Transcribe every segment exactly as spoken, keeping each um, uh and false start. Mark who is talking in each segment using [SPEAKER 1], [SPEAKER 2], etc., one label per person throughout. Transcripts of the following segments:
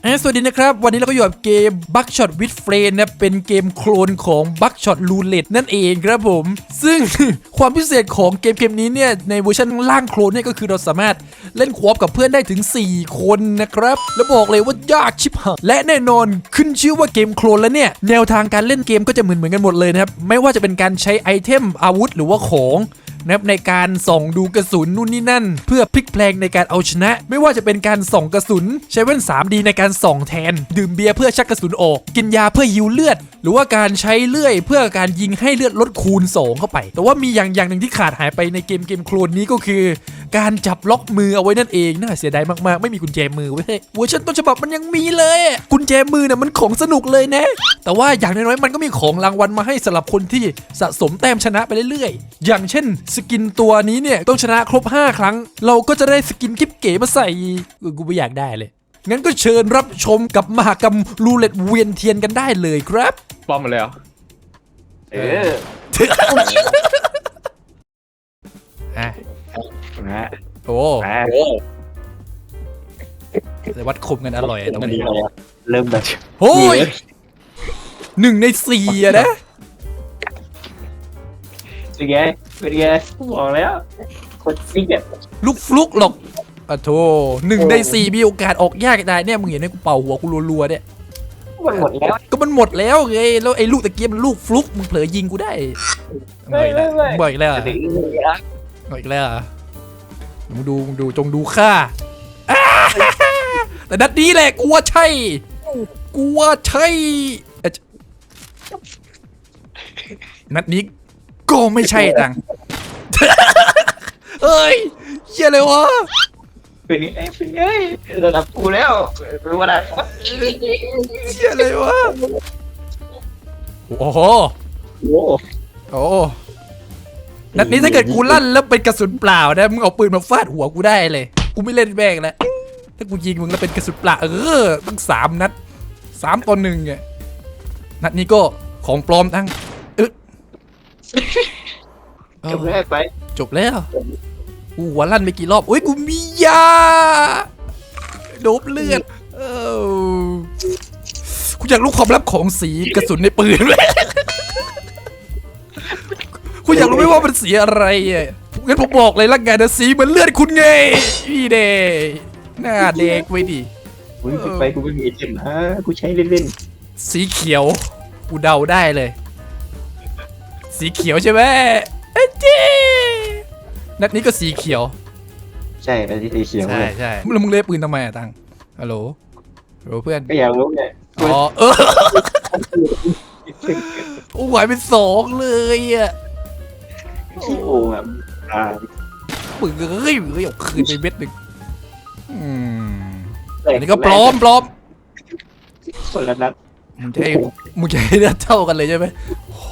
[SPEAKER 1] สวัสดีนะครับวันนี้เราก็อยู่กับเกม Buckshot with Friends นะเป็นเกมโคลนของ Buckshot Roulette นั่นเองครับผมซึ่ง ความพิเศษของเกมเกมนี้เนี่ยในเวอร์ชันล่างโคลนเนี่ยก็คือเราสามารถเล่นควอปกับเพื่อนได้ถึงสี่คนนะครับแล้วบอกเลยว่ายากชิบหายและแน่นอนขึ้นชื่อว่าเกมโคลนแล้วเนี่ยแนวทางการเล่นเกมก็จะเหมือนเหมือนกันหมดเลยนะครับไม่ว่าจะเป็นการใช้ไอเทมอาวุธหรือว่าของนะครับในการส่องดูกระสุนนู่นนี่นั่นเพื่อพลิกแพลงในการเอาชนะไม่ว่าจะเป็นการส่องกระสุนใช้แว่น ทรี ดี ในการส่องแทนดื่มเบียร์เพื่อชักกระสุนออกกินยาเพื่อยิวเลือดหรือว่าการใช้เลื่อยเพื่อการยิงให้เลือดลดคูณสองเข้าไปแต่ว่ามีอย่างอย่างหนึ่งที่ขาดหายไปในเกมเกมโคลนนี้ก็คือการจับล็อกมือเอาไว้นั่นเองน่าเสียดายมากๆไม่มีกุญแจมือเว้ยเวอร์ชันต้นฉบับมันยังมีเลยกุญแจมือเนี่ยมันของสนุกเลยนะแต่ว่าอย่างน้อยๆมันก็มีของรางวัลมาให้สำหรับคนที่สะสมแต้มชนะไปเรื่อยๆอย่างเช่นสกินตัวนี้เนี่ยต้องชนะครบห้าครั้งเราก็จะได้สกินกิ๊บเก๋มาใส่กูไม่อยากได้เลยงั้นก็เชิญรับชมกับมหกรรมรูเล็ตเวียนเทียนกันได้เลยครับ
[SPEAKER 2] ป้อมมาเลยเหรอเออ
[SPEAKER 1] อ่ะ
[SPEAKER 2] นะ
[SPEAKER 1] โอ้แต่วัดคมกันอร่อยตรงนี้
[SPEAKER 2] เริ่มแบบ
[SPEAKER 1] โอ้ยหนึ่งในสี่อะนะ
[SPEAKER 2] เป็นไงเป็นไงบอกแล้วคนซิกอะ
[SPEAKER 1] ลูกฟลุกหรอกอ่ะโธ่หนึ่งในสี่มีโอกาสออกยากได้เนี่ยมึงเห็นไหมกูเป่าหัวกูรัวๆเนี่ย
[SPEAKER 2] มันหมดแล้ว
[SPEAKER 1] ก็มันหมดแล้วไงแล้วไอ้ลูกตะเกียบมันลูกฟลุกมึงเผลอยิงกูได้บ่อยแล้วบ่อยแล้วบ่อยแล้วมึงดูมึงดูจงดูข้าแต่นัดนี้แหละกูว่าใช่กูว่าใช่นัดนี้ก็ไม่ใช่ตังเฮ้ยเหี้ยเลยวะ
[SPEAKER 2] เป็นไงเป็นไงระดับกูแล้วรู้ว่าได้
[SPEAKER 1] เหี้ยเลยวะโอ้โห
[SPEAKER 2] โอ้
[SPEAKER 1] โอ้นัดนี้ถ้าเกิดกูลั่นแล้วเป็นกระสุนเปล่านะมึงเอาปืนมาฟาดหัวกูได้เลยกูไม่เล่นแม่งแล้วถ้ากูยิงมึงแล้วเป็นกระสุนเปล่าเออตั้งสามนัดสามต่อหนึ่งไงนัดนี้ก็ของปลอมทั้งเออ
[SPEAKER 2] จบแล้วไป
[SPEAKER 1] จบแล้วกูหัวลั่นไปกี่รอบโอ้ยกูมียาโดบเลือดเออกูอยากรู้ความลับของสีกระสุนในปืนเลยกูอยากรู้ไหมว่ามันสีอะไรอ่ะงั้นผมบอกเลยละกันนะสีเหมือนเลือดคุณไงพี่เดหน้าเด็กไว้ดิ
[SPEAKER 2] กูไปกูไม่มีไอเทมนะกูใช้เล่น
[SPEAKER 1] ๆสีเขียวกูเดาได้เลยสีเขียวใช่ไหมเอ้จีนัดนี้ก็สีเขียว
[SPEAKER 2] ใช่อันนี้สีเขียว
[SPEAKER 1] ใช่ใช่แล้วมึงเล่นปืนทำไมอะตังฮัลโหลฮัลโหลเพื่อน
[SPEAKER 2] ก็อยากรู้ไง
[SPEAKER 1] อ๋อเออโอ้ยเป็นสองเลยอ่ะ
[SPEAKER 2] ขี้โอ่งอ่ะอ่า
[SPEAKER 1] ปืนเฮ้ยเฮ้ยเอาคืนไปเม็ดหนึ่งอืมอันนี้ก็ปลอมปลอม
[SPEAKER 2] คนละนัด
[SPEAKER 1] มึงจะให้มึงจะให้เลือดเท่ากันเลยใช่ไหมโห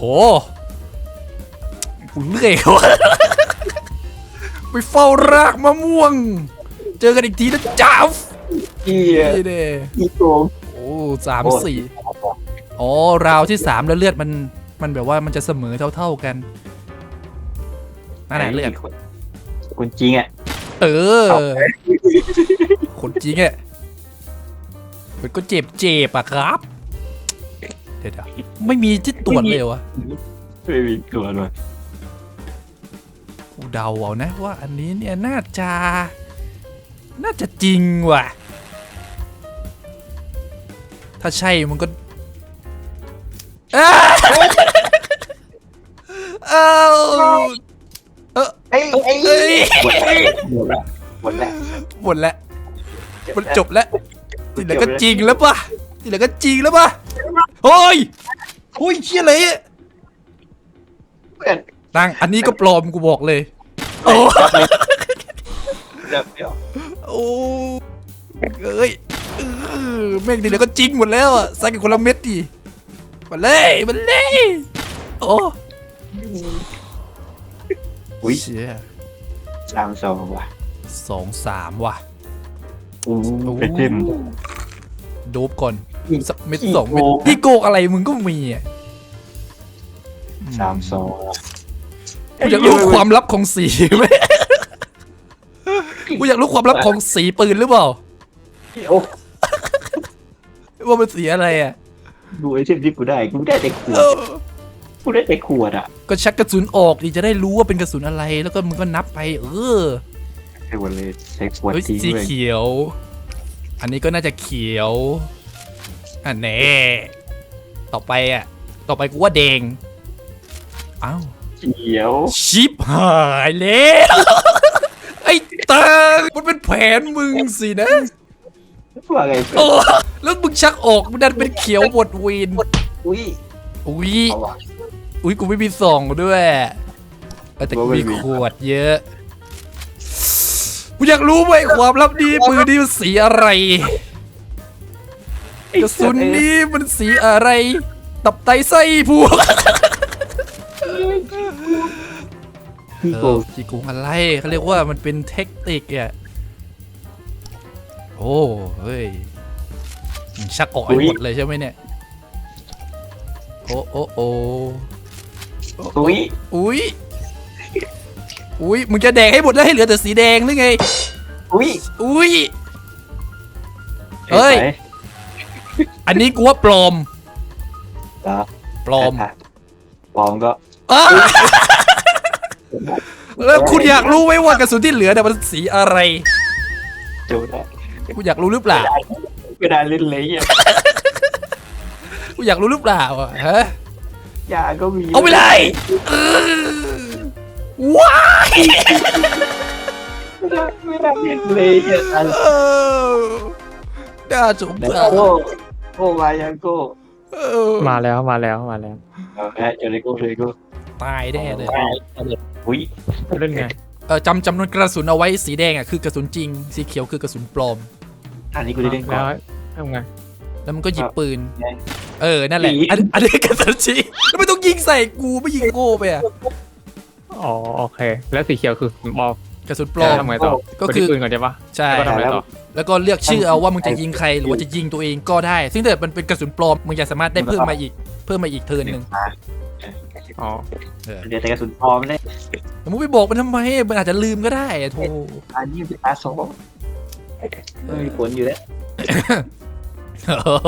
[SPEAKER 1] กูเลื่อยเขาไปเฝ้ารากมะม่วงเจอกันอีกทีนะจ้า
[SPEAKER 2] อี
[SPEAKER 1] เด้
[SPEAKER 2] อีโกง
[SPEAKER 1] โอ้สามสี่อ๋อราวที่สามแล้วเลือดมันมันแบบว่ามันจะเสมอเท่าๆกันนั่นแหละเลือด
[SPEAKER 2] คนจริงอ่ะ
[SPEAKER 1] เออคนจริงอ่ะมันก็เจ็บเจ็บอะครับเดี๋ยวไม่มีที่ตรวจเลยวะ
[SPEAKER 2] ไม่มีตรวจเลย
[SPEAKER 1] กูเดาเอานะว่าอันนี้เนี่ยน่าจะน่าจะจริงว่ะถ้าใช่มันก็เออเออเออ
[SPEAKER 2] ไอ้ไอ้หมดแล้วหมดแล้ว
[SPEAKER 1] หมดแล้วมันจบแล้วที่เหลือก็จริงแล้วป่ะที่เหลือก็จริงแล้วป่ะเฮ้ยโอ้ยเชี่ยเลยตั้งอันนี้ก็ปลอมกูบอกเลยโอ้โอ้เอ้ยแม่งดีแล้วก็จริงหมดแล้วอ่ะใส่กันคนละเม็ดดิมาเลยมาเลยโอ้
[SPEAKER 2] อุ้ย
[SPEAKER 1] เชี่ย
[SPEAKER 2] สามสองว่ะ
[SPEAKER 1] สองสามว่ะ
[SPEAKER 2] โอ้เป็นเต็ม
[SPEAKER 1] โดบก่อนสักเม็ดสองเม็ดพี่โกกอะไรมึงก็มีอ่ะ
[SPEAKER 2] สามสอง
[SPEAKER 1] กูอยากรู้ความลับของสีไหมกูอยากรู้ความลับของสีปืนหรือเปล่าว่ามันสีอะไรอ่ะ
[SPEAKER 2] ดูไอเทมที่กูได้กูได้แต่ขว
[SPEAKER 1] เอ
[SPEAKER 2] ด
[SPEAKER 1] อ
[SPEAKER 2] กูได้แต่ขวดอ่ะ
[SPEAKER 1] ก็ชักกระสุนออกดิจะได้รู้ว่าเป็นกระสุนอะไร แล้วก็มึงก็นับไป เออ
[SPEAKER 2] ใช้หมดเลยใช้ขวด
[SPEAKER 1] เฮ้ย
[SPEAKER 2] ทิ้ง
[SPEAKER 1] สี
[SPEAKER 2] เลย
[SPEAKER 1] เขียว อันนี้ก็น่าจะเขียวอันแน่ต่อไปอ่ะ ต่อไปกูว่าแดงอ้าว
[SPEAKER 2] เขียว
[SPEAKER 1] ชิปหายแล้ว ไอ้ตังมันเป็นแผนมึงสินะ
[SPEAKER 2] ว่าไง
[SPEAKER 1] โอ้แล้วมึงชักออกมันดันเป็นเขียวหมดเวน
[SPEAKER 2] อุ้ย
[SPEAKER 1] อุ้ย
[SPEAKER 2] เอาวะ
[SPEAKER 1] อุ้ยกูไม่มีซองด้วยเออแต่กูมีขวดเยอะกูอยากรู้ไหมความลับนี้ปืนนี่มันสีอะไรกระสุนนี้มันสีอะไร ตับไตไส้พวก
[SPEAKER 2] พี่
[SPEAKER 1] เอ
[SPEAKER 2] โก
[SPEAKER 1] อจีกุงอะไรเขาเรียกว่ามันเป็นเทคนิคอ่ะโอ้เฮ้ยมึงชักออกให้หมดเลยใช่ไหมเนี่ยโอ้โอ้โอ้
[SPEAKER 2] อุ้ย
[SPEAKER 1] อุ้ยอุ้ยมึงจะแดงให้หมดแล้วให้เหลือแต่สีแดงหรือไง
[SPEAKER 2] อุ้ย
[SPEAKER 1] อุ้ย เฮ้ย อันนี้กูว่าปลอม
[SPEAKER 2] เหรอ
[SPEAKER 1] ปลอม
[SPEAKER 2] ปลอมก็
[SPEAKER 1] อ้าแล้วคุณอยากรู้ไหมว่ากระสุนที่เหลือเนี่ยมันสีอะไร
[SPEAKER 2] จูได้
[SPEAKER 1] คุณอยากรู้หรือเปล่า
[SPEAKER 2] ก็ได้เล่นเลยอ่ะ
[SPEAKER 1] คุณอยากรู้หรือเปล่าอะฮะ
[SPEAKER 2] ยาก็มี
[SPEAKER 1] เอาไปเลยเออว้าย
[SPEAKER 2] ไม่ได้เล่นเลยอ่ะ
[SPEAKER 1] เออน่าสง
[SPEAKER 2] แล้ว
[SPEAKER 1] สาร
[SPEAKER 2] โก้โก้มายังโก้
[SPEAKER 1] เออ
[SPEAKER 3] มาแล้วมาแล้วมาแล้ว
[SPEAKER 2] เอาแพ้เจอเลยโก้เลยโก้
[SPEAKER 1] ตายแน่เลย
[SPEAKER 2] อุ้ย
[SPEAKER 3] เล่นไง
[SPEAKER 1] เออจำจำนวนกระสุนเอาไว้สีแดงอ่ะคือกระสุนจริง สีเขียวคือกระสุนปลอม
[SPEAKER 2] อันนี้กูได้เล่นก่อ
[SPEAKER 3] แล้ว
[SPEAKER 2] น
[SPEAKER 3] ทำไง
[SPEAKER 1] แล้วมันก็หยิบปืน
[SPEAKER 2] ไง
[SPEAKER 1] เออ นั่นแหละ
[SPEAKER 2] หนี
[SPEAKER 1] อันอันนี้กระสุนจริงแล้วไม่ต้องยิงใส่กูไม่ยิงโง่ไปอ่ะ
[SPEAKER 3] อ๋อโอเค แล้วสีเขียวคือบอก
[SPEAKER 1] กระสุนปลอม
[SPEAKER 3] ทำไงต่อ
[SPEAKER 1] ก็คือ
[SPEAKER 3] กดที่ปืนก่อนใช่ปะ
[SPEAKER 1] ใช่
[SPEAKER 3] แล้วก็ทำไงต่อ
[SPEAKER 1] แล้วก็เลือกชื่อเอาว่ามึงจะยิงใครหรือว่าจะยิงตัวเองก็ได้ ซึ่งถ้าเกิดมันเป็นกระสุนปลอมมึงจะสามารถได้เพิ่มมาอีก เพิ่มมาอีกเทิร์นหนึ่ง
[SPEAKER 3] อ๋อ
[SPEAKER 1] เออ
[SPEAKER 2] เดี๋ยวแต่กระสุนพร้อมเลย
[SPEAKER 1] แต่มึงไปบอกมันทำไมมันอาจจะลืมก็ได้อะโธ่
[SPEAKER 2] อันนี้เป็นตาสองไม่มีผลอยู่แล้ว
[SPEAKER 1] โอ้โห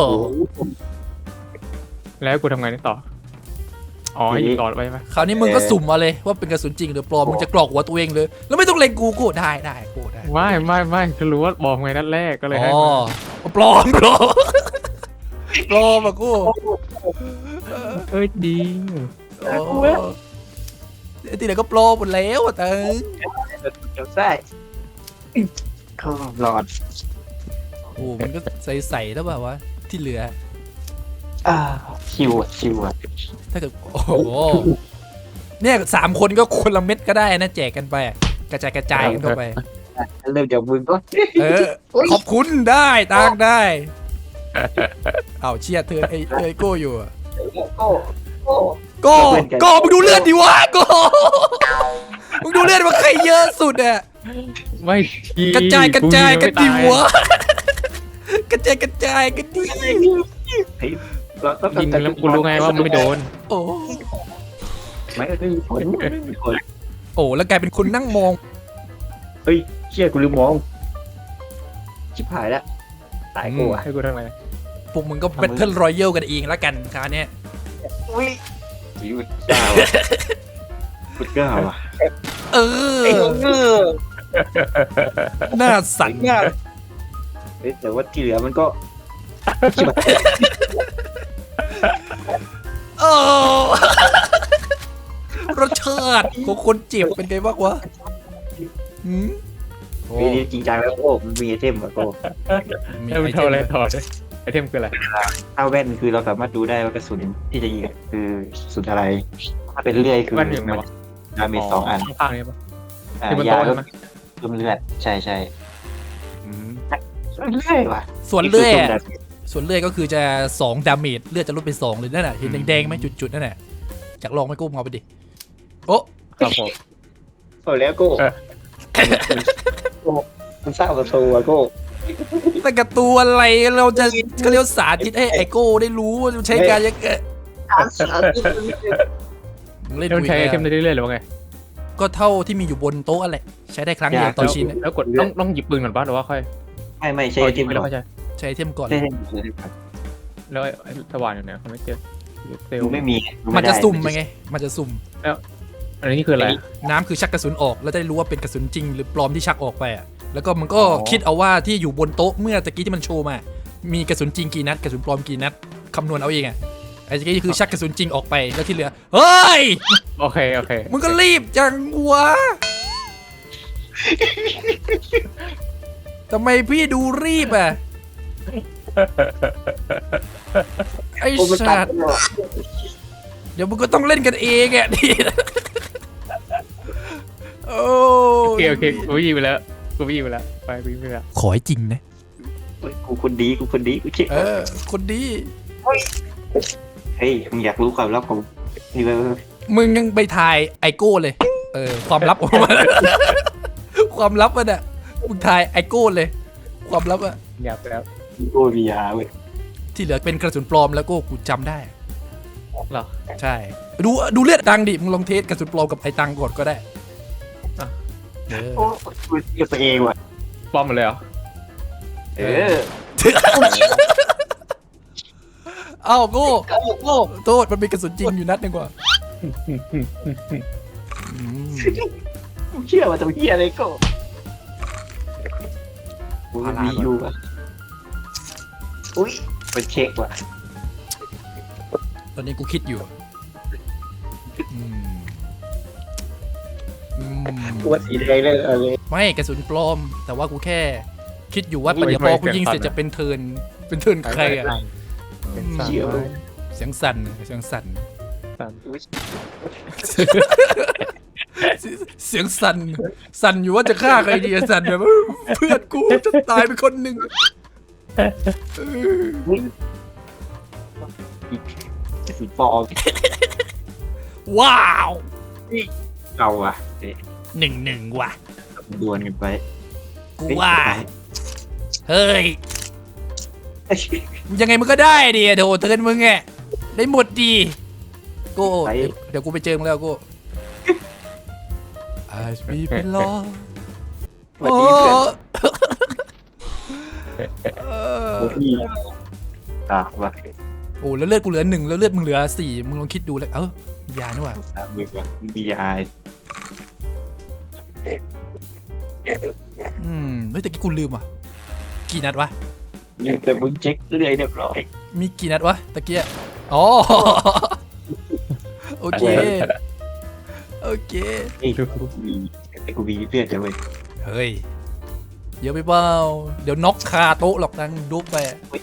[SPEAKER 3] แล้วกูทำไงต่ออ๋อให้ยิงก่อนไว้ไหม
[SPEAKER 1] คราวนี้มึงก็สุ่มมาเลยว่าเป็นกระสุนจริงหรือปลอมมึงจะกรอกหัวตัวเองเลย แล้วไม่ต้องเล็งกูกูได้ได้กูได้
[SPEAKER 3] ไม่ไม่ไม่คือรู้ว่าบอกไงนัดแรกก็เลยให้
[SPEAKER 1] อ๋อ
[SPEAKER 3] มา
[SPEAKER 1] ปลอมปลอมปลอมอะกู
[SPEAKER 3] เอ้ยดี
[SPEAKER 1] โอ้ที่ไหนก็ปลอมหมดแล้วอะเตัง
[SPEAKER 2] เดี๋ยวใส่เข้าหลอด
[SPEAKER 1] โอ้มันก็ใส่ๆแล้วแบบว่าที่เหลือ
[SPEAKER 2] อ่าชิวอ่ะชิวอ่ะ
[SPEAKER 1] ถ้าเกิดโอ้โหเนี่ยสามคนก็คนละเม็ดก็ได้นะแจกกันไปอะกระจายกระจายกันเข้าไป
[SPEAKER 2] เริ่มจากมึงก็
[SPEAKER 1] เออ ขอบคุณได้ตังได้ เอาเชียร์เธอไอ้ไอ้โก้อยู่อะ
[SPEAKER 2] โก้โก้
[SPEAKER 1] โก้โก้มึงดูเลือดดิวะโก้มึงดูเลือดว่าใครเยอะสุดอะ
[SPEAKER 3] ไม่ที
[SPEAKER 1] กระจายกระจายกันดิ
[SPEAKER 3] กู
[SPEAKER 1] วะกระจายกระจายกันดิ
[SPEAKER 2] เฮ้ยเราต้อง
[SPEAKER 3] ยิงแล้วกูรู้ไงว่ามันไม่โดน
[SPEAKER 1] โอ้
[SPEAKER 2] ไม่ไม่มีผลไม่มีผล
[SPEAKER 1] โอ้แล้วกลายเป็นคนนั่งมอง
[SPEAKER 2] เฮ้ยเชี่ยกูลืมมองชิบหายแล้วตายกูอ่ะ
[SPEAKER 3] ให้กูทำไง
[SPEAKER 1] พวกมึงก็เป็นเทิร์นรอยัลกันเองแล้วกันคราวเนี้ย
[SPEAKER 2] อุ้ยวิวก้าวพุดก้าวอ่ะ
[SPEAKER 1] เออ หน้าสั่น
[SPEAKER 2] เฮ้ยแต่ว่าที่เหลือมันก็ชิบหาย
[SPEAKER 1] โอ้รสชาติของคนเจ็บเป็นไงบ้างวะหืมโอ้
[SPEAKER 2] ปีนี้จริงจังแล้วโอ้มันมีไอเทมอ่ะโก้
[SPEAKER 1] มี
[SPEAKER 3] ให้
[SPEAKER 1] ไอ
[SPEAKER 3] มัน
[SPEAKER 1] เท
[SPEAKER 3] เท่าม อะไร
[SPEAKER 1] ไหม
[SPEAKER 3] ต่อเลยไอเทมคืออะไร
[SPEAKER 2] ถ้าแว่นคือเราสามารถดูได้ว่ากระสุนที่จะยิงคือสุดอะไรถ้าเป็นเลื่อยคือ
[SPEAKER 3] แว่นอยู่ไหนวะ
[SPEAKER 2] ดาเมจสองอัน
[SPEAKER 3] ข้างๆนี้ปะ
[SPEAKER 2] อ่า
[SPEAKER 3] ที่บน
[SPEAKER 2] ยา
[SPEAKER 3] โต๊ะ
[SPEAKER 2] ก็
[SPEAKER 3] ใช่ไหม
[SPEAKER 2] เพิ่มเลือดใช่ใช่
[SPEAKER 3] อืม
[SPEAKER 2] เลื่อยว่ะ
[SPEAKER 1] ส่วนเลื่อย
[SPEAKER 2] นี่
[SPEAKER 1] อะ
[SPEAKER 2] คือ
[SPEAKER 1] ส่วนเลื่อยก็คือจะสองดาเมจเลือดจะลดเป็นสองเลยนั่นน่ะเห็นแดงๆไหมจุดๆนั่นน่ะอยากลองไหมกุ้งเอาไปดิโอ้
[SPEAKER 3] ครับผม
[SPEAKER 2] โอ้แล้วโก้
[SPEAKER 3] เออ
[SPEAKER 2] โก้มันสร้างประตูอะโก้
[SPEAKER 1] แต่กับตัวอะไรเราจะก็เรียกว่าสาธิตให้ไอโก้ได้รู้ว่าใช้การยังไงมึงเล่น
[SPEAKER 3] แล้วมัน
[SPEAKER 1] คุย
[SPEAKER 3] ใช้ไอเท
[SPEAKER 1] กั
[SPEAKER 3] ม
[SPEAKER 1] น
[SPEAKER 3] ได้เรื่อยๆหรือว่าไง
[SPEAKER 1] ก็เท่าที่มีอยู่บนโต๊ะอะไรใช้ได้ครั้งเดียวต่อชิ้น
[SPEAKER 3] แล้วกดต้องต้องหยิบปืนก่อนป่ะหรือว่าค่อย
[SPEAKER 2] ไม่ไม่ใช่ไอเทม
[SPEAKER 3] ไป
[SPEAKER 2] ก่
[SPEAKER 3] แล้ว
[SPEAKER 2] อน
[SPEAKER 3] ค่อยใช้
[SPEAKER 1] ใช้ไอเทมก่อน
[SPEAKER 2] ใช่ไอเทมก่อน
[SPEAKER 3] แล้วไอ้ไอ้สว่านอยู่ไหนเขาไม่เจอเซล
[SPEAKER 2] กู
[SPEAKER 3] ล์
[SPEAKER 2] ไม่มีกู
[SPEAKER 1] มัน
[SPEAKER 2] ไได้
[SPEAKER 1] จะสุ่มไปไง มันจะสุ่ม
[SPEAKER 3] อันนี้คืออะไร
[SPEAKER 1] น้ำคือชักกระสุนออกแล้วจะได้รู้ว่าเป็นกระสุนจริงหรือปลอมที่ชักออกไปอ่ะแล้วก็มันก็คิดเอาว่าที่อยู่บนโต๊ะเมื่อตะกี้ที่มันโชว์มา มีกระสุนจริงกี่นัดกระสุนปลอมกี่นัดคำนวณเอาเองอ่ะไอ้ตะกี้คือชักกระสุนจริงออกไปแล้วที่เหลือเฮ้ย
[SPEAKER 3] โอเคโอเค
[SPEAKER 1] มึงก็รีบจังวะทำไมพี่ดูรีบอ่ะไอ้
[SPEAKER 2] โอ้มันตั
[SPEAKER 1] สั
[SPEAKER 2] ด
[SPEAKER 1] ตว์เดี๋ยวมึงก็ต้องเล่นกันเองอ่ะนี่โอ้
[SPEAKER 3] โอเคโอเคกูวิ่งไปแล้วกูวิ่งไปแล้วไปวิ่งไปแล้ว
[SPEAKER 1] ขอให้จริงนะ
[SPEAKER 2] กูคนดีกูคนดีกูเช็ค
[SPEAKER 1] เออ คนดี
[SPEAKER 2] เฮ้ยมึงอยากรู้ความลับของนี่ไหม
[SPEAKER 1] มึงยังไปถ่ายไอโก้เลย เออ ความลับออกมา ความลับมันอ่ะ มึงถ่ายไอโก้เลย ความลับอ่ะ
[SPEAKER 3] อยากไปแล้ว
[SPEAKER 2] กูมียาเว้ย
[SPEAKER 1] ที่เหลือเป็นกระสุนปลอมแล้วก็กูจำได้
[SPEAKER 3] เหรอ
[SPEAKER 1] ใช่ ดูดูเลือดตังดิ มึงลองเทสกระสุนปลอมกับไอตังก่อนก็ได้
[SPEAKER 3] อ่ะ
[SPEAKER 1] เออ
[SPEAKER 2] โอ้กูเกับตัวเองว่ะ
[SPEAKER 3] ป้อมหมดเลยเหรอ
[SPEAKER 2] เออ
[SPEAKER 1] เอ้าโก้โก้โทษมันมีกระสุนจริงอยู่นัดหนึงกว่าอืม
[SPEAKER 2] กูเชื่อว่าตัวเฮียอะไรก็กูมีอยู่อ่ะอุ้ยมันเช็คว่ะ
[SPEAKER 1] ตอนนี้กูคิดอยู่อืมอืม
[SPEAKER 2] กูว่าสีแดงเลยอะไร
[SPEAKER 1] ไม่กระสุนปลอม แต่ว่ากูแค่คิดอยู่ว่าเดี๋ยวพอกูยิงเสร็จจะเป็นเทิร์นเป็นเทิร์นใครอ่ะ
[SPEAKER 3] เป็นสาม
[SPEAKER 2] เชี่ยว
[SPEAKER 3] ร้อย
[SPEAKER 1] เสียงสั่นเสียงสั่น
[SPEAKER 3] สาม
[SPEAKER 2] อุ๊ย
[SPEAKER 1] เสียงสั่นสั่นอยู่ว่าจะฆ่าใครดีอะสั่นแบบเพื่อนกูจะตายไปคนหนึ่งเออ
[SPEAKER 2] สีฟอง
[SPEAKER 1] ว้าว
[SPEAKER 2] เอาอ่ะเอ๊ะ
[SPEAKER 1] หนึ่งหนึ่งว่ะ
[SPEAKER 2] ดวลกันไป
[SPEAKER 1] กูว่า เฮ้ย ยังไงมึงก็ได้ดิเดี๋ยวเทิร์นมึงไงได้หมดดีโก้เดี๋ยวเดี๋ยวกูไปเจอมึงแล้วโก้อาจมีเป็นล้อ
[SPEAKER 2] สวัสดีเพื่อน
[SPEAKER 1] เออ
[SPEAKER 2] โอ้พี่อ่ะว่ะ
[SPEAKER 1] โอ้แล้วเลือดกูเหลือหนึ่งแล้วเลือดมึงเหลือสี่มึงลองคิดดูเลยเออยานี่หว่า
[SPEAKER 2] อ่ะมึงว่ะบีไอ
[SPEAKER 1] อืมเฮ้ยแต่กี้กูลืมอ่ะกี่นัดวะ
[SPEAKER 2] แต่มึงเช็คเรื่อยเรียบร้อย
[SPEAKER 1] มีกี่นัดวะตะเกียอ๋อ โอเค โอเค
[SPEAKER 2] ไอ้กูมีแต่กูมีเพื่อนจะเว้ย
[SPEAKER 1] เฮ้ย เยอะไปเปล่าเดี๋ยวน็อกคาโต๊ะหรอกนังดุ๊บไป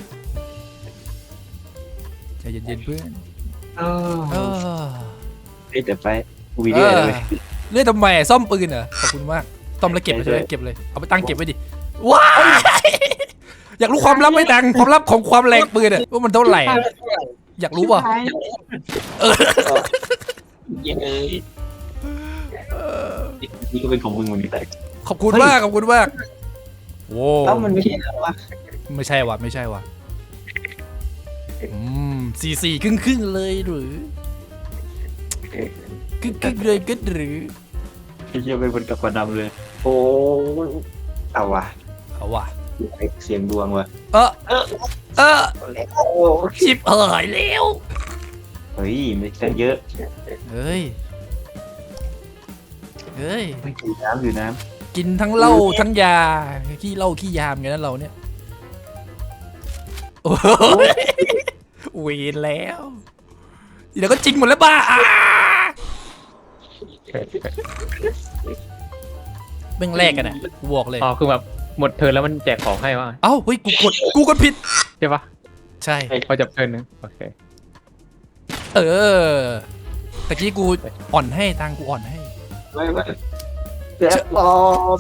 [SPEAKER 1] ใจเย็นๆเพื่อน
[SPEAKER 2] เอ
[SPEAKER 1] เอ
[SPEAKER 2] อ
[SPEAKER 1] อ
[SPEAKER 2] เฮ้ยแต่ไปกูมีเรื่อยเลย
[SPEAKER 1] เลื่อยทำไมซ่อมปืนเหรอขอบคุณมากซ่อมแล้วเก็บไปเลยเก็บเลยเอาไปตั้งเก็บไว้ดิว้ายอยากรู้ความลับไหมตังความลับของความแรงปืนอะว่ามันเท่าไหร่อะอยากรู้ป่ะ
[SPEAKER 2] เออเย้ยนี่ก็เป็นของมึงเหมือนกัน
[SPEAKER 1] ขอบคุณมากขอบคุณมากโว้
[SPEAKER 2] แล้วมันไม่ใช่เหรอวะ
[SPEAKER 1] ไม่ใช่ว่ะไม่ใช่ว่ะอืมสี่สี่ครึ่งครึ่งๆเลยหรือครึ่งครึ่งๆเลยก็หรือ
[SPEAKER 2] ไอ้เหี้ยเป็นคนกับกระดำเลย โอ้เอาว่ะ
[SPEAKER 1] เอาว่ะ
[SPEAKER 2] เสียงดวงว่ะ
[SPEAKER 1] เออเออเออ
[SPEAKER 2] โอ้
[SPEAKER 1] ชิบหายแล้ว
[SPEAKER 2] เฮ้ยไม่ใช่เยอะ
[SPEAKER 1] เฮ้ยเฮ้ย
[SPEAKER 2] ไม่กินน้ำอยู่น้
[SPEAKER 1] กินทั้งเหล้าทั้งยาขี้เหล้าขี้ยามไงนั้นเราเนี่ยโอ้ยเวรแล้วเดี๋ยวก็จริงหมดแล้วบ้าอ่าเบ่งแรกกันอ่ะกูบอกเลย
[SPEAKER 3] อ๋อคือแบบหมดเทิร์นแล้วมันแจกของให้วะ
[SPEAKER 1] เอ้าเฮ้ยกูกดกูกดผิด
[SPEAKER 3] ใช่ปะ
[SPEAKER 1] ใช่
[SPEAKER 3] พอจับเทิร์นนึงโอเค
[SPEAKER 1] เออตะกี้กูอ่อนให้ตังกูอ่อนให้
[SPEAKER 2] ำไม่ไม่เสียปลอม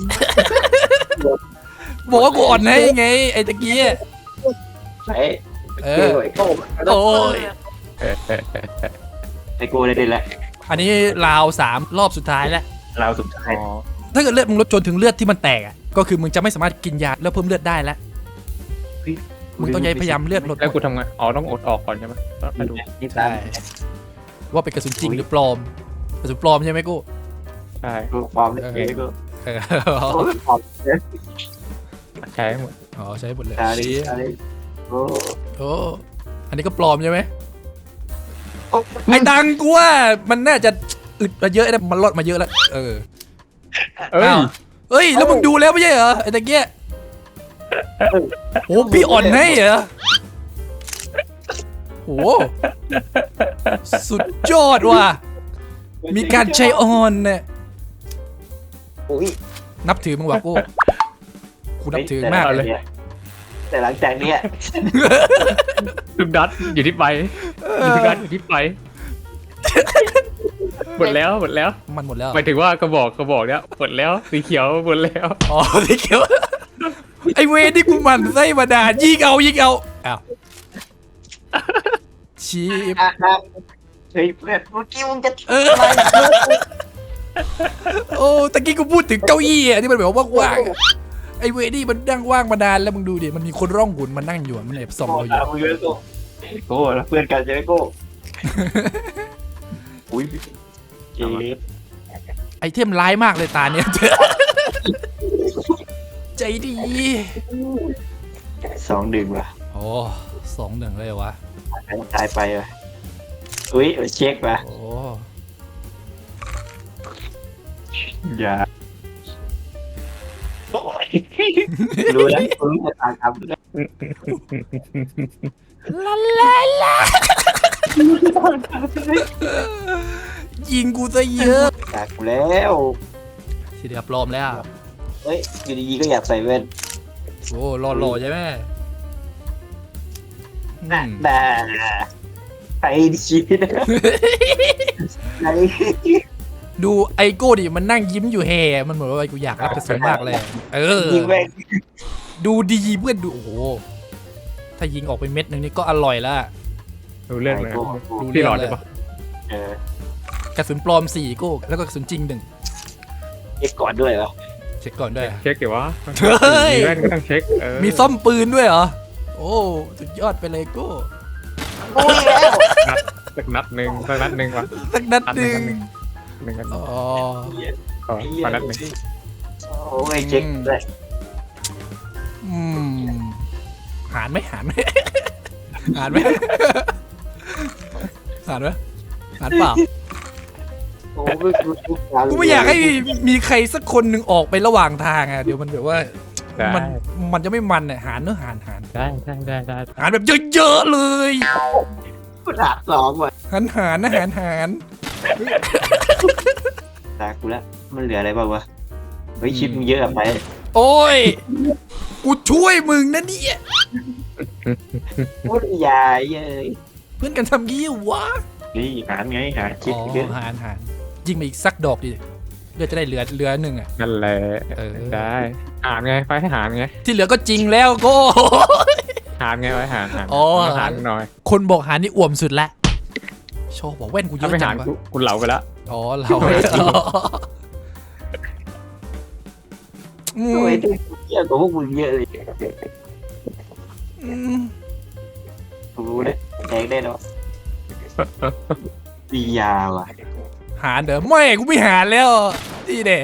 [SPEAKER 1] บอกว่ากูอ่อนให้ไงไอ้ตะกี้อะ
[SPEAKER 2] ใช่
[SPEAKER 1] เอ
[SPEAKER 2] เอ
[SPEAKER 1] อ
[SPEAKER 2] อไอ้โก้
[SPEAKER 1] โอ้ย
[SPEAKER 2] ไอ้โก้ได้ได้แล้ว
[SPEAKER 1] อันนี้ราวสามรอบสุดท้ายแล้ว
[SPEAKER 2] เราสุดท้าย
[SPEAKER 3] อ๋อ
[SPEAKER 1] ถ้าเกิดเลือดมึงลดจนถึงเลือดที่มันแตกอ่ะก็คือมึงจะไม่สามารถกินยาแล้วเพิ่มเลือดได้แล้วมึงต้องพยายามเลือดลด
[SPEAKER 3] แล้วกูทำไงอ๋อต้องอดออกก่อนใช่ไหมแล้วมาดู
[SPEAKER 2] นี่
[SPEAKER 1] ใช่ ว่าเป็นกระสุนจริงหรือปลอมกระสุนปลอมใช่ไหมกู
[SPEAKER 3] ใช่
[SPEAKER 2] กูปลอมเลยไอ้โก้
[SPEAKER 1] เออ
[SPEAKER 2] โอ้ยปลอมเนี่ย
[SPEAKER 3] ใช้หมด
[SPEAKER 1] อ๋อใช้หมดเลย
[SPEAKER 2] ตาดิ
[SPEAKER 1] ชี้
[SPEAKER 2] ตาดิโอ้
[SPEAKER 1] โอ้อันนี้ก็ปลอมใช่ไหมไอ้ดังกูว่ามันน่าจะอึดมาเยอะนะมันลดมาเยอะแล้วเออ
[SPEAKER 3] เอ้ย
[SPEAKER 1] อ้าวเฮ้ยแล้วมึงดูแล้วไม่ใช่เหรอไอ้ตะเกียโอ้พี่อ่อนให้เหรอโอ้สุดยอดว่ะมีการใช้อ่อนเนี่ย
[SPEAKER 2] อุ้ย
[SPEAKER 1] นับถือมึงว่ะกูกูนับถือมากเลย
[SPEAKER 2] แต่หลังจากเนี้ย
[SPEAKER 3] ทุกนัดอยู่ที่ไปทุกนัดอยู่ที่ไปหมดแล้วหมดแล้ว
[SPEAKER 1] มันหมดแล้ว
[SPEAKER 3] หมายถึงว่ากระบอกกระบอกเนี้ยหมดแล้วสีเขียวหมดแล้ว
[SPEAKER 1] อ๋อสีเขียวไอเวรที่กูหมันไส้มาด่ายิงเอายิงเอาอ้าวชีพ
[SPEAKER 2] อ่ะครับเฮ้ยเพื่อนเมื่อกี้มึงจะ
[SPEAKER 1] เออโอ้ตะกี้กูพูดถึงเก้าอี้อะที่มันแบบว่าว่างๆอะไอเวรนี่มันนั่งว่างมานานแล้วมึงดูดิมันมีคนร่องหุ่นมันนั่งอยู่อะมันแอบส่องเราอยู่
[SPEAKER 2] มึงเยอะโก้โก้แล้วเพื่อนกันใช่ไหมโก้อุ้ยเจ็บ
[SPEAKER 1] ไอเทมร้ายมากเลยตาเนี่ยใจดี
[SPEAKER 2] สองดึงว่ะ
[SPEAKER 1] โอ้สองหนึ่งเลยวะ
[SPEAKER 2] ตายไปว่ะอุ้ยเช็คว่ะ
[SPEAKER 1] โอ้
[SPEAKER 2] อย่ารู้แล้วรู้ชะตากรรมแล้ว
[SPEAKER 1] ลาลาลายิงกูซะเยอะ
[SPEAKER 2] อยากแล้ว
[SPEAKER 1] ทีเดียวปลอมแล้ว
[SPEAKER 2] เฮ้ยอยู่ดีๆก็อยากใส่แว่น
[SPEAKER 1] โอ้หล่อๆใช่ไหมอื
[SPEAKER 2] น่ะ
[SPEAKER 1] ม
[SPEAKER 2] ด่าใครดีนะใคร
[SPEAKER 1] ดูไอโก้ดิมันนั่งยิ้มอยู่แห่มันเหมือนว่ากูอยากรับกระสุนมากเลย เออ
[SPEAKER 2] ยิงแว่น
[SPEAKER 1] ดูดีเพื่อนดูโอ้โหถ้ายิงออกไปเม็ดหนึ่งนี่ก็อร่อยแล้ว
[SPEAKER 3] ดูเรื่องเลย
[SPEAKER 1] ดู
[SPEAKER 3] พี่
[SPEAKER 1] เรื่
[SPEAKER 3] หล
[SPEAKER 1] อ
[SPEAKER 3] อง ด
[SPEAKER 1] เล
[SPEAKER 3] ได้
[SPEAKER 1] ย
[SPEAKER 3] ปะ
[SPEAKER 2] เออก
[SPEAKER 1] ระสุนปลอมสี่โก้แล้วก็กระสุนจริงหนึ่ง
[SPEAKER 2] เช็คก่อนด้วยเหรอ
[SPEAKER 1] เช็คก่อนด้วย
[SPEAKER 3] เช็คเดี๋ยววะ
[SPEAKER 1] เฮ้ย
[SPEAKER 3] มีแว่นก็ต้องเช็คเออ
[SPEAKER 1] มีซ่อมปืนด้วยเหรอโอ้สุดยอดไปเลยโก้
[SPEAKER 2] โอ้ยแล้ว
[SPEAKER 3] นัดสักนัดหนึ่งสักนัดหนึ่งวะ
[SPEAKER 1] สักนัดหนึ่ง
[SPEAKER 3] หนึ่งกัน
[SPEAKER 1] อ๋อ
[SPEAKER 3] ขอขอนัดหนึ่ง
[SPEAKER 2] โอ้ยเช็คด้วย
[SPEAKER 1] อืมหารไหมหารไหมหารไหมหารไหมหารเปล่า
[SPEAKER 2] โอ้ย
[SPEAKER 1] กูไม่อยากให้มีใครสักคนหนึ่งออกไประหว่างทางอ่ะเดี๋ยวมันแบบว่า
[SPEAKER 3] ได้
[SPEAKER 1] มันมันจะไม่มันอ่ะหารเนื้อะหารหาร
[SPEAKER 3] ได้ได้ได้ได้
[SPEAKER 1] หารแบบเยอะๆเลย
[SPEAKER 2] กูด่าสองว่ะ
[SPEAKER 1] หารหารนะหารหาร
[SPEAKER 2] ด่ากูแล้วมันเหลืออะไรบ้างวะเฮ้ยชิปมึงเยอะอะไป
[SPEAKER 1] โอ้ยกูช่วยมึงนะเนี่ย
[SPEAKER 2] พูดใหญ่เย้ย
[SPEAKER 1] เพื่อนกันทำงี้วะ
[SPEAKER 2] นี่หารไงหารชิป
[SPEAKER 1] อ๋อ
[SPEAKER 2] เยอะ
[SPEAKER 1] หารหารยิงมาอีกสักดอกดิเลือดจะได้เหลือเหลือหนึ่งอ่ะ
[SPEAKER 3] นั่นแหละ
[SPEAKER 1] เออ
[SPEAKER 3] ได้หารไงไปให้หารไง
[SPEAKER 1] ที่เหลือก็จริงแล้วก็
[SPEAKER 3] หารไงไว้หารหาร
[SPEAKER 1] อ๋อ
[SPEAKER 3] หารหน่อย
[SPEAKER 1] คนบอกหารนี่อ่วมสุดละโชว์บอกแว่นกูเย
[SPEAKER 3] ถ้า
[SPEAKER 1] อะ
[SPEAKER 3] ไม่
[SPEAKER 1] จั
[SPEAKER 3] หารง
[SPEAKER 1] วะ
[SPEAKER 3] กูกูเหลาไปแล้ว
[SPEAKER 1] อ๋อเราอืม
[SPEAKER 2] โอ้ยเยอะกว่าพวกมึงเยอะเลย
[SPEAKER 1] อืม
[SPEAKER 2] กูรู้เลยแดงแน่นอนปียาว่ะ
[SPEAKER 1] หารเด้อไม่กูไม่หารแล้วนี่เด้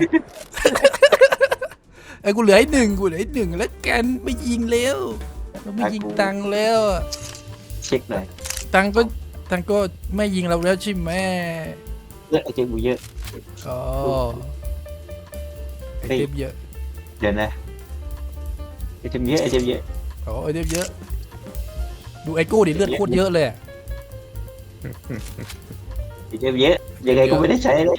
[SPEAKER 1] ไอ้กูเหลือไอ้หนึ่งกูเหลือไอ้หนึ่งแล้วกันไม่ยิงแล้วเราไม่ยิงตังค์แล้ว
[SPEAKER 2] เช็คหน่อย
[SPEAKER 1] ตังค์ก็ตังค์ก็ไม่ยิงเราแล้วใช่ไหม
[SPEAKER 2] เยอะไอ้เจ๊กูเยอะ
[SPEAKER 1] อ๋อไอ
[SPEAKER 2] เฮ้ย
[SPEAKER 1] เทมเยอะ
[SPEAKER 2] เดี๋ยวนะไอ้เจ๊เยอะไอ้เจ๊เยอะ
[SPEAKER 1] อ๋อไอเทมเยอะดูไอโก้ดิเลือดโคตรเยอะเลยอะ
[SPEAKER 2] ไอ้เจ๊เยอะยังไงก็ไม่ได้ใช้เลย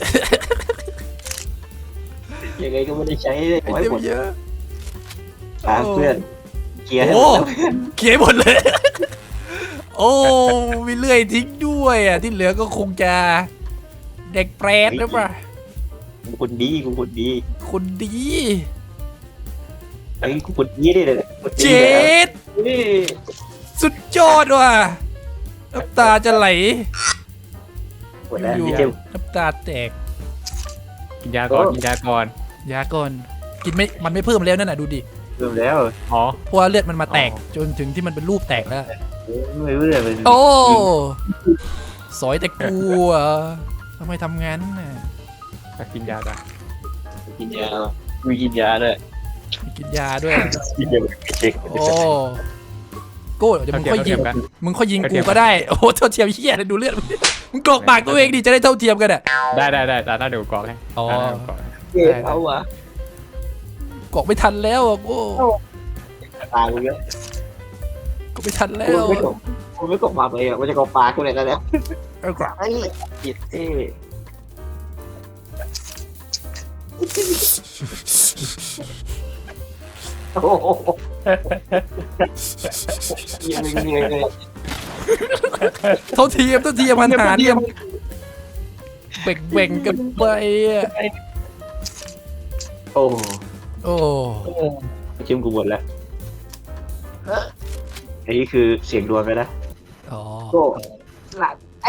[SPEAKER 2] ยังไงก็ไม่ได้ใช้เลย
[SPEAKER 1] ไอ
[SPEAKER 2] ไว้
[SPEAKER 1] เท
[SPEAKER 2] หม
[SPEAKER 1] ม
[SPEAKER 2] ด
[SPEAKER 1] เยอะ
[SPEAKER 2] ตามเพื่อนเกียร์ให้ห
[SPEAKER 1] โอ้
[SPEAKER 2] มดแล้ว
[SPEAKER 1] เขียนหมดเลย โอ้มีเลื่อยทิ้งด้วยอ่ะที่เหลือก็คงจะเด็กแปรตหรือเปล่า
[SPEAKER 2] กูคนดีกูคนดี
[SPEAKER 1] คนดี
[SPEAKER 2] ไอ้ยกูคนดีได้เลยคนดี
[SPEAKER 1] เจ็ด
[SPEAKER 2] นี่
[SPEAKER 1] สุดยอดว่ะน้ำตาจะไหล
[SPEAKER 2] หมดแล้ว
[SPEAKER 1] อยู่
[SPEAKER 2] ไอ้เจ๊
[SPEAKER 1] น้ำตาแตก
[SPEAKER 3] กินยาก่อนกินยาก่อน
[SPEAKER 1] ยาก่อนกินไม่มันไม่เพิ่มแล้วนั่นน่ะดูดิ
[SPEAKER 2] เริ่มแล้ว
[SPEAKER 3] อ๋อ
[SPEAKER 1] เพราะว่าเลือดมันมาแตก
[SPEAKER 3] อ๋อ
[SPEAKER 1] จนถึงที่มันเป็นรูปแตกแล้ว
[SPEAKER 2] ไม่รู้เลยมัน
[SPEAKER 1] โอ้สอยแต่กูอ่ะทำไมทำงั้นน่ะ
[SPEAKER 3] กินยาจ้ะ
[SPEAKER 2] กินยามีกินยาด้วย
[SPEAKER 1] มีกินยาด้วย
[SPEAKER 2] กินยาไม่เช็ค
[SPEAKER 1] โอ้โก้เดี๋ยวมึงค่อยยิง
[SPEAKER 3] เท่าเทียมกัน
[SPEAKER 1] มึงค่อยยิงกูก็ได้โอ้โหเท่าเทียมเหี้ยเลยดูเลือดมึงมึงกรอกปากตัวเองดิจะได้เท่าเทียมกันอ่ะ
[SPEAKER 3] ได้ได้ได้ตาหน้าเดี๋ยวกรอกให้
[SPEAKER 1] อ๋อ
[SPEAKER 3] ตาหน้าเดี๋ยวกรอกให้
[SPEAKER 2] เจ็บเอาวะ
[SPEAKER 1] กรอกไม่ทันแล้วอ่ะโก้
[SPEAKER 2] ตายกูเยอะ
[SPEAKER 1] กรอกไม่ทันแล้
[SPEAKER 2] กู
[SPEAKER 1] ว
[SPEAKER 2] ไม่กบกูไม่กบมาไปอ่ะมันจะกบปลากูเลยแล้วเนี่ย
[SPEAKER 1] เอากรอก
[SPEAKER 2] ไอ้จิตเอ้โอ้โหยังไม่เหนื่อยเลย
[SPEAKER 1] เท่าเทียมเท่าเทียมมันหาเนี่ยเบ่งเบ่งกันไปอ่ะ
[SPEAKER 2] โอ้
[SPEAKER 1] โอ้
[SPEAKER 2] ชิมกูหมดแล้วอันนี้คือเสียงดวงเลยนะ
[SPEAKER 1] อ๋อ
[SPEAKER 2] โก้หลับไอ้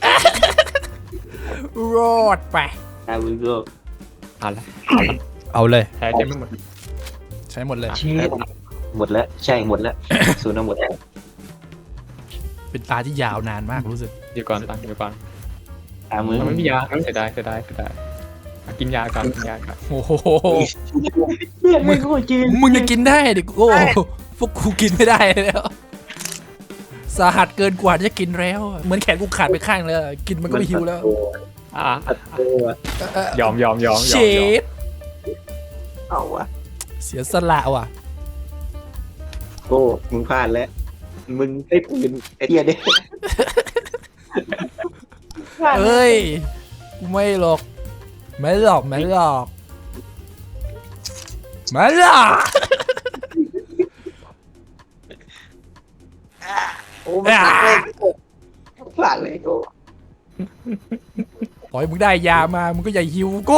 [SPEAKER 1] รอดไป
[SPEAKER 2] ตามึงก็
[SPEAKER 3] เอาละ
[SPEAKER 1] เอาเลย
[SPEAKER 3] แพ้เต็มไม่หมด
[SPEAKER 1] ใช้หมดเลย
[SPEAKER 2] เชี่ยหมดแล้วใช่หมดแล้วศูนย์เอาหมดแล้ว
[SPEAKER 1] เป็นตาที่ยาวนานมากรู้สึก
[SPEAKER 3] เดี๋ยวก่อนตังเดี๋ยวก่อน
[SPEAKER 2] ตามึง
[SPEAKER 3] มันไม่มียาเสียดายเสียดายเสียดายอ่ะกินยาก่อนกินยาก่อน
[SPEAKER 1] โอ้โห
[SPEAKER 2] มึงก็จืน
[SPEAKER 1] มึงจะกินได้ดิโก้พวกกูกินไม่ได้แล้ว สาหัสเกินกว่าจะกินแล้ว เหมือนแขนกูขาดไปข้างแล้วกินมันก็ไม่หิวแล้ว
[SPEAKER 3] อ่ะ
[SPEAKER 2] โอ้อะ
[SPEAKER 1] เอ่อย
[SPEAKER 3] อมยอมยอมย
[SPEAKER 1] เช
[SPEAKER 3] อมยอม
[SPEAKER 1] ด
[SPEAKER 2] เอาวะ
[SPEAKER 1] เสียสละว่ะ
[SPEAKER 2] โก้มึงพลาดแล้วมึงได้ปืนไอ้เหี้ยเด้
[SPEAKER 1] เอ้ยกูไม่หรอกไม่หรอกไม่หรอกไม่หรอก
[SPEAKER 2] โอ้มันพลาดเลยพลาดเลยโก้
[SPEAKER 1] ขอให้มึงได้ยามามึงก็อย่าหิวโก้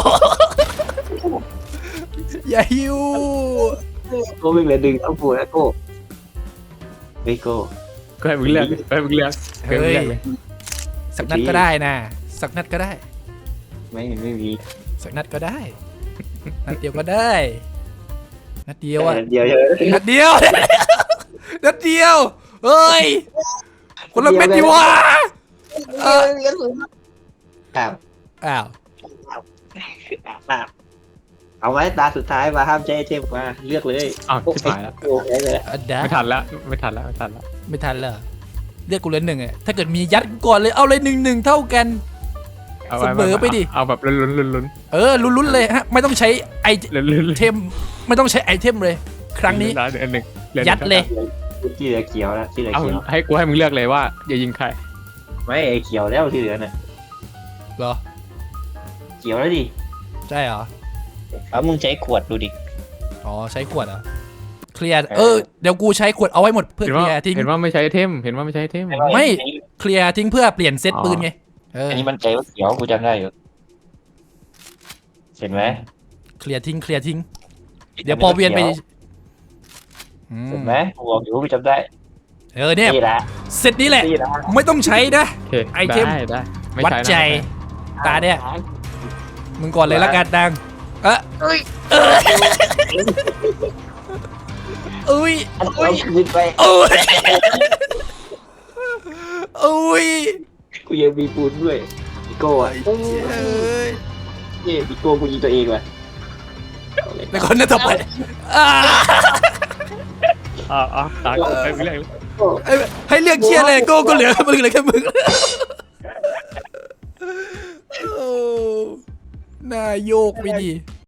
[SPEAKER 1] อย่าหิว
[SPEAKER 2] โก้ไม่เหลือดึงเอาปูแล้วโก้เฮ้ยโก้
[SPEAKER 3] ก็ให้มึงเลือกก็ให้มึงเลือกก็ให้มึง
[SPEAKER 1] เฮ้ย
[SPEAKER 3] เลือกเลย
[SPEAKER 1] สักนัดก็ได้นะสักนัดก็ได้
[SPEAKER 2] ไม่ไม่มี
[SPEAKER 1] สักนัดก็ได้ นัดเดียวก็ได้ นัดเดียวอ่ะ
[SPEAKER 2] เดียวเดียว
[SPEAKER 1] นัดเดียว นัดเดียว เฮ้ย คนละเม็ดดีวะเออ
[SPEAKER 2] ครับ
[SPEAKER 1] อ้าว
[SPEAKER 2] ครับเอาไว้ตาสุดท้ายมาห้ามใจเทมมาเลือกเลย
[SPEAKER 3] อ้าวชิบหายแล้ว
[SPEAKER 2] โอ้ยเลย
[SPEAKER 1] อันดา
[SPEAKER 3] ไม่ทันแล้วไม่ทันแล้วไม่ทันแล้ว
[SPEAKER 1] ไม่ทันเลยเรียกกูเลยหนึ่งอะถ้าเกิดมียัดก่อนเลย เอาเลยหนึ่งหนึ่งเท่ากัน
[SPEAKER 3] เอา
[SPEAKER 1] เสมอไปดิ
[SPEAKER 3] เอาแบบลุ้นลุ้นลุ้นลุ้น
[SPEAKER 1] เออ ลุ้นๆเลยฮะ ไม่ต้องใช้ไอ
[SPEAKER 3] ลุ้นลุ้น
[SPEAKER 1] เทม ไม่ต้องใช้ไอเทมเลย ครั้งนี้
[SPEAKER 3] เหลือหนึ่งหลือหนึ่ง
[SPEAKER 1] ยัดเลย
[SPEAKER 2] ที่เหลือเขียวแล้วที่เหลือ
[SPEAKER 3] เอา
[SPEAKER 2] เขียว
[SPEAKER 3] ให้กูให้มึงเลือกเลยว่าอย่ายิงใคร
[SPEAKER 2] ไม่ไอเขียวแล้วที่เหลือน่ะ
[SPEAKER 1] เหรอ
[SPEAKER 2] เขียวแล้วดิ
[SPEAKER 1] ใช่เหรอ
[SPEAKER 2] เอามึงใช้ขวดดูดิ
[SPEAKER 1] อ๋อ ใช้ขวดเหรอ เคลียร์ เออ เดี๋ยวกูใช้ขวดเอาไว้หมดเพื่อ
[SPEAKER 3] เห็น
[SPEAKER 1] เค
[SPEAKER 3] ว่า
[SPEAKER 1] ลียร์ทิ้ง
[SPEAKER 3] เห็นว่าไม่ใช้เทมเห็นว่าไม่ใช้เทม
[SPEAKER 1] ไม่ เคลียร์ทิ้งเพื่อเปลี่ยนเซต
[SPEAKER 3] อ๋อ
[SPEAKER 1] ปืนไง เออ
[SPEAKER 2] อันนี้มันใจว่าเขียวกูจำได้อยู่เห็นไหม
[SPEAKER 1] เคลียร์ทิ้ง เคลียร์ทิ้ง เดี๋ยวพอเวียนไปอืม
[SPEAKER 2] เห็นไหมกูบอกอยู่กูจำได้
[SPEAKER 1] เออเนี่ย
[SPEAKER 2] นี่ละ
[SPEAKER 1] เซตนี้แหละ
[SPEAKER 2] นี่ละ
[SPEAKER 1] ไม่ต้องใช้นะ
[SPEAKER 3] โอเค
[SPEAKER 1] ไอเทม
[SPEAKER 3] ได้ได้ไม่
[SPEAKER 1] วัด
[SPEAKER 3] ใช้นะ
[SPEAKER 1] ใจ ตาเนี่ย มึงก่อนเลยละกันดัง เอะเอ้ยเอ้ย
[SPEAKER 2] เอาคืนไป
[SPEAKER 1] เอ้ยเอ้ย
[SPEAKER 2] กูยังมีปูนด้วยพี่โก้อะ
[SPEAKER 1] เอ้ย
[SPEAKER 2] นี่พี่โก้กูยิงตัวเองว่ะ
[SPEAKER 1] แล้วคนนั้นต่อไปอ่า
[SPEAKER 3] อ่าอ่าตาให้มึงเลือกเลย
[SPEAKER 1] เอ้ยให้เลือกเชียร์เลยโก้ก็เหลือมึงเหลือแค่มึงโอ้หน้าโยกไปดิ